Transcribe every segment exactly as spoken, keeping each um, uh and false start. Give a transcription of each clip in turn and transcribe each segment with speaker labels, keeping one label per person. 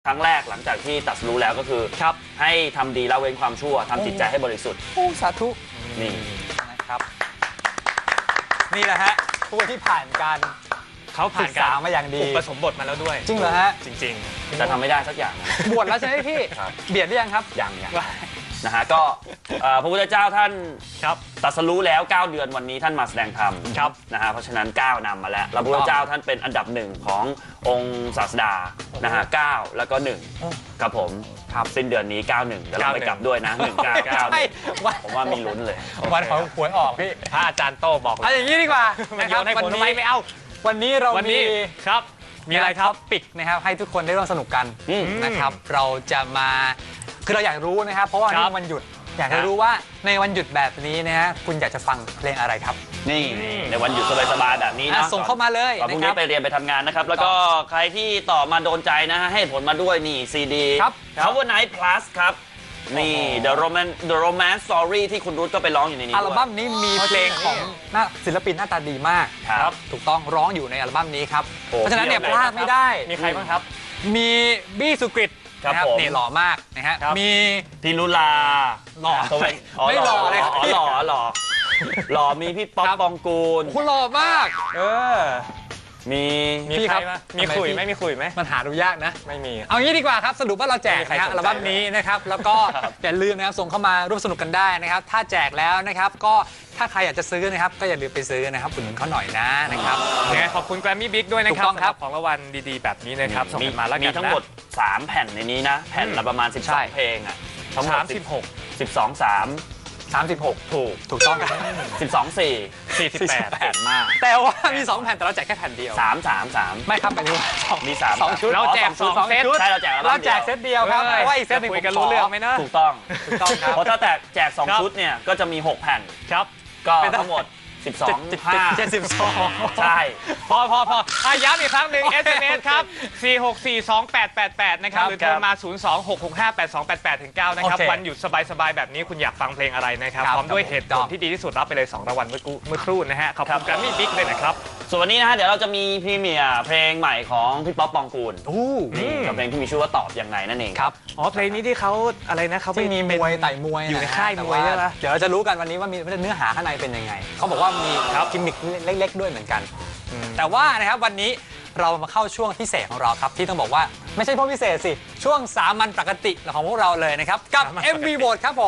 Speaker 1: ครั้งแรกหลังจากที่ตัดรู้แล้วก็คือครับให้ทำดีละเว้นความชั่วทำจิตใจให้บริสุทธิ์
Speaker 2: โอ้สาธุ
Speaker 1: นี่
Speaker 2: นะครับนี่แหละฮะผู้ที่ผ่านการ
Speaker 3: เขาผ่านการ
Speaker 2: มาอย่างดี
Speaker 3: อุปสมบทมาแล้วด้วย
Speaker 2: จริงเหรอฮะ
Speaker 3: จริง
Speaker 1: ๆแต่ทำไม่ได้สักอย่าง
Speaker 2: บวชแล้วใช่ไหมพี่เบียดหรือยังครับ
Speaker 1: ยังยังนะฮะก็พระพุทธเจ้าท่านตรัสรู้แล้วเก้าเดือนวันนี้ท่านมาแสดงธรรมนะฮะเพราะฉะนั้นเก้านำมาแล้วพระพุทธเจ้าท่านเป็นอันดับหนึ่งขององค์ศาสดานะฮะเก้าแล้วก็หนึ่งครับผมครับสิ้นเดือนนี้เก้าหนึ่งเดี๋ยวเราไปกลับด้วยนะหนึ่งเก้าเก้าผมว่ามีลุ้นเลย
Speaker 2: วันของหวยออกพี่
Speaker 3: พระอาจารย์โต้บอก
Speaker 2: เอาอย่างนี้ดีกว่า
Speaker 3: นะครับวันนี้ไม่เอา
Speaker 2: วันนี้เรา
Speaker 3: มีครับมีอะไรครับ
Speaker 2: ปิกนะครับให้ทุกคนได้ร่วมสนุกกันนะครับเราจะมาคือเราอยากรู้นะครับเพราะว่านี่วันหยุดอยากจะรู้ว่าในวันหยุดแบบนี้นะฮะคุณอยากจะฟังเพลงอะไรครับ
Speaker 1: นี่ในวันหยุดสบายๆแบบนี้นะ
Speaker 2: ส่งเข้ามาเลย
Speaker 1: พรุ่งนี้ไปเรียนไปทำงานนะครับแล้วก็ใครที่ต่อมาโดนใจนะฮะให้ผลมาด้วยนี่ซีดี Power Night Plus ครับนี่ The Romance The Romance Story ที่คุณรุ้ก็ไปร้องอยู่ในนี้
Speaker 2: อัลบั้มนี้มีเพลงของศิลปินหน้าตาดีมาก
Speaker 1: ครับ
Speaker 2: ถูกต้องร้องอยู่ในอัลบั้มนี้ครับเพราะฉะนั้นเนี่ยพลาดไม่ได้
Speaker 3: มีใครบ้างครับ
Speaker 2: มีบี้สุกฤตนะครับนี่หล่อมากนะฮะมี
Speaker 1: ธีรุลา
Speaker 2: หล่อ
Speaker 1: ไม่หล่อเลยอ๋อหล่อหล่อหล่อมีพี่ป๊อปปองกูล
Speaker 2: คุณหล่อมากเออ
Speaker 1: มี
Speaker 3: มีใครไหมมีคุยไหมมีคุยไหม
Speaker 2: มันหาดูยากนะ
Speaker 3: ไม่มี
Speaker 2: เอางี้ดีกว่าครับสรุปว่าเราแจกนะอัลบั้มนี้นะครับแล้วก็อย่าลืมนะครับส่งเข้ามาร่วมสนุกกันได้นะครับถ้าแจกแล้วนะครับก็ถ้าใครอยากจะซื้อนะครับก็อย่าลืมไปซื้อนะครับอุดหนุนเขาหน่อยนะนะครับ
Speaker 3: ยังไงขอบคุณแกรมมี่บิ๊กด้วยนะครับสำหรับของรางวัลดีๆแบบนี้นะครับส่งมาแล้วกันนะ
Speaker 1: มีทั้งหมดสามแผ่นในนี้นะแผ่นละประมาณสิบสองเพลงอ่ะทั้งหมด
Speaker 3: สิบหก
Speaker 1: สิบสอง สาม
Speaker 2: สามสิบหก
Speaker 1: ถูก
Speaker 2: ถูกต้องครับ
Speaker 1: สิบสอง สี่
Speaker 3: สี่สิบแปด
Speaker 1: แผ่นมาก
Speaker 2: แต่ว่ามีสองแผ่นแต่เราแจกแค่แผ่นเดียว
Speaker 1: สาม สาม สาม
Speaker 2: ไม่ครับหมายถึงว่า
Speaker 1: มีสาม
Speaker 2: สองชุด
Speaker 3: เราแจกสองเซต
Speaker 1: ใช่เราแจก
Speaker 2: เราแจกเซตเดียวครับเพราะว่าอีกเซตหนึ่ง
Speaker 3: คุยกันรู้เรื่องไหมนะ
Speaker 1: ถูกต้องถูกต้องครับเพราะถ้าแจกแจกสองชุดเนี่ยก็จะมีหกแผ่น
Speaker 3: ครับ
Speaker 1: ก็ทั้งหมดสิบสอง ห้า
Speaker 2: เจ็ดสิบสอง
Speaker 1: ใช่
Speaker 3: พอพอพอย้ำอีกครั้งหนึ่ง เอส เอ็ม เอส ครับสี่ หก สี่ สอง แปด แปด แปดนะครับหรือโทรมาศูนย์ สอง หก หก ห้า แปด สอง แปด แปด ถึง เก้านะครับวันหยุดสบายๆแบบนี้คุณอยากฟังเพลงอะไรนะครับพร้อมด้วยเหตุผลที่ดีที่สุดรับไปเลยสองรางวัลเมื่อเมื่อครู่นะฮะขอบคุณแกรมมี่บิ๊กเลยนะครับ
Speaker 1: ส่วนวันนี้นะฮะเดี๋ยวเราจะมีพรีเมียร์เพลงใหม่ของพี่ป๊อปปองกูลนี่กับเพลงที่มีชื่อว่าตอบยังไงนั่นเอง
Speaker 2: ครับ
Speaker 3: อ๋อเพลงนี้ที่เขาอะไรนะเขา
Speaker 2: ที่มีมวยไต่มวย
Speaker 3: อยู่ในค่ายมวยใช่ไหม
Speaker 2: เดี๋ยวเราจะรู้กันวันนี้ว่ามีเนื้อหาข้างในเป็นยังไงเขาบอกว่ามีกิมมิคเล็กๆด้วยเหมือนกันแต่ว่านะครับวันนี้เรามาเข้าช่วงพิเศษของเราครับที่ต้องบอกว่าไม่ใช่พวกพิเศษสิช่วงสามัญปกติของพวกเราเลยนะครับกับ เอ็ม วี Vote ครับผม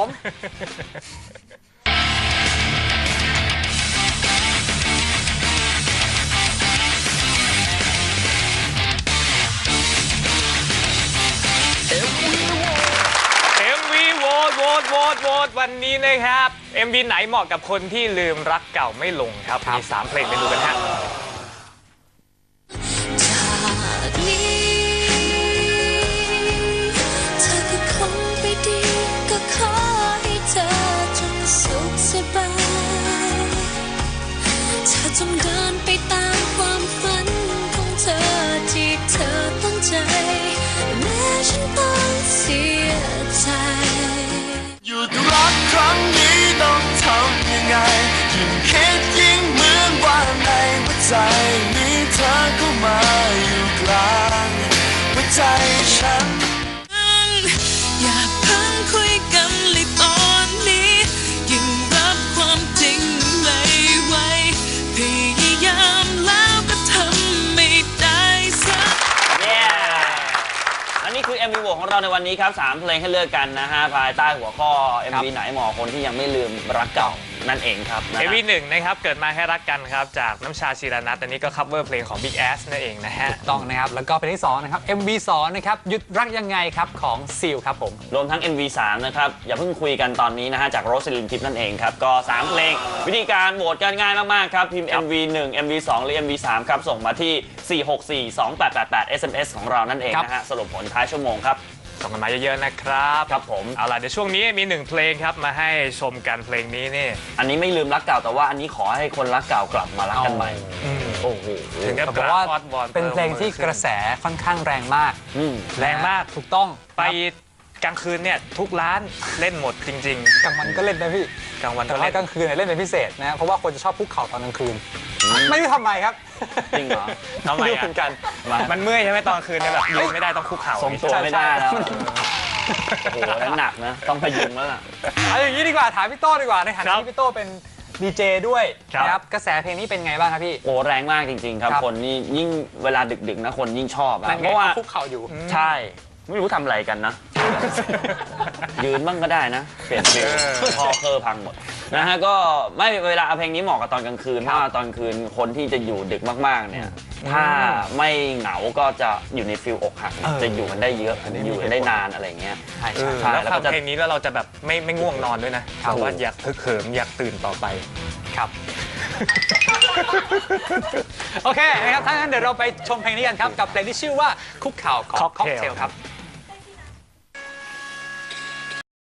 Speaker 3: เอ็ม วี Vote Vote Vote Vote วันนี้นะครับ เอ็ม วี ไหนเหมาะกับคนที่ลืมรักเก่าไม่ลงครับมีสามเพลงไปดูกันฮะ
Speaker 4: จงเดินไปตามความฝันของเธอที่เธอตั้งใจแม้ฉันต้องเสียใจ
Speaker 5: หยุดรักครั้งนี้ต้องทำยังไงยิ่งคิดยิ่งเหมือนว่าในหัวใจนี้เธอเข้ามาอยู่กลางหัวใจฉัน
Speaker 4: อย่าเพิ่งคุยกันเลยตอนนี้ยิ่งรับความจริงไม่ไหวพยายามแล้วก็ทำไม่ได้สัก
Speaker 1: และนี่คือ เอ็ม วี Vote ของเราในวันนี้ครับสามเพลงให้เลือกกันนะฮะภายใต้หัวข้อ เอ็ม วี ไหนเหมาะคนที่ยังไม่ลืมรักเก่านั่นเองครับ
Speaker 3: เอ็ม วี หนึ่งนะครับเกิดมาให้รักกันครับจากน้ำชาชีรนัทอันนี้ก็คัฟเวอร์เพลงของ Big Ass นั่นเองนะฮะ
Speaker 2: ต้องนะครับแล้วก็เพลงที่สองนะครับ เอ็ม วี สองนะครับหยุดรักยังไงครับของซีลครับผม
Speaker 1: รวมทั้ง เอ็ม วี สาม นะครับอย่าเพิ่งคุยกันตอนนี้นะฮะจากโรสลินทิพย์นั่นเองครับก็สามเพลงวิธีการโหวตกันง่ายมากๆครับพิมพ์ เอ็ม วี หนึ่ง เอ็ม วี สอง หรือ เอ็ม วี สาม ครับส่งมาที่ สี่ หก สี่ สอง แปด แปด แปด เอส เอ็ม เอส ของเรานั่นเองนะฮะสรุปผลท้ายชั่วโมงครับ
Speaker 3: ส่งกันมาเยอะๆนะครับ
Speaker 1: ครับผม
Speaker 3: เอาล่ะเดี๋ยวช่วงนี้มีหนึ่งเพลงครับมาให้ชมกันเพลงนี้นี่
Speaker 1: อันนี้ไม่ลืมรักเก่าแต่ว่าอันนี้ขอให้คนรักเก่ากลับมารักกันใหม่โอ้โห
Speaker 3: ถึงกับ
Speaker 2: บอกว่าเป็นเพลงที่กระแสค่อนข้างแรงมาก
Speaker 3: แรงมาก
Speaker 2: ถูกต้อง
Speaker 3: ไปกลางคืนเนี่ยทุกร้านเล่นหมดจริง
Speaker 2: กลางวันก็เล่นนะพี่
Speaker 3: ๆกลางวัน
Speaker 2: แต่
Speaker 3: ก็
Speaker 2: ว่า
Speaker 3: เล่น
Speaker 2: กลางคืนเนี่ยเล่นเป็นพิเศษนะเพราะว่าคนจะชอบคุกเข่าตอนกลางคืน ไม่รู้ทำไมครับ
Speaker 1: จริงเหรอ
Speaker 3: ทำไม
Speaker 2: รู้
Speaker 3: อ่ะ
Speaker 2: เหมือนกัน
Speaker 3: มันเมื่อยใช่ไหมตอนคืนเนี่ยแบบยืนไม่ได้ต้องคุกเข่า
Speaker 1: ทรงตัวไม่ได้แล้ว โอ้โหนั้นหนักนะ ต้องพยุงแล้วล่ะ
Speaker 2: เอาอย่างนี้ดีกว่าถามพี่โต้ดีกว่าในฐา
Speaker 3: ครั
Speaker 2: นะ
Speaker 3: บ
Speaker 2: ที่พี่โต้เป็นดีเจด้วย
Speaker 3: ครับ
Speaker 2: นะครับกระแสเพลงนี้เป็นไงบ้างครับพี่
Speaker 1: โอ้แรงมากจริง ๆ ครับ
Speaker 2: ครับ
Speaker 1: คนนี่ยิ่งเวลาดึกๆนะคนยิ่งชอบอะ
Speaker 2: นั่น
Speaker 1: เพ
Speaker 2: ไง
Speaker 1: ราะว่า
Speaker 2: เขาคุกเข่าอยู่
Speaker 1: ใช่ ไม่รู้ทำอะไรกันนะ ยืนบ้างก็ได้นะ เปลี่ยนเพลงพอเคอร์พังหมดนะฮะก็ไม่เวลาเอาเพลงนี้เหมาะกับตอนกลางคืนเพราะว่าตอนกลางคืนคนที่จะอยู่ดึกมากๆเนี่ย ถ้าไม่เหงาก็จะอยู่ในฟิลอกหัก
Speaker 2: เออ
Speaker 1: จะอยู่กันได้เยอะอยู่กันได้นานอะไรเงี้ย
Speaker 2: ใช่
Speaker 3: เอ
Speaker 2: ใช่
Speaker 3: อ
Speaker 1: ใช่
Speaker 3: แล้ว
Speaker 1: แล้ว
Speaker 3: ฟั
Speaker 1: ก็
Speaker 3: ง
Speaker 1: จะ
Speaker 3: เพลงนี้แล้วเราจะแบบไม่ไม่ง่วงนอนด้วยนะเพราะว่าอยากฮึกเหิมอยากตื่นต่อไป
Speaker 2: ครับ โอเคนะครับถ้างั้นเดี๋ยวเราไปชมเพลงนี้กันครับกับเพลงที่ชื่อว่าคุกเข่าของค็อกเทลครับ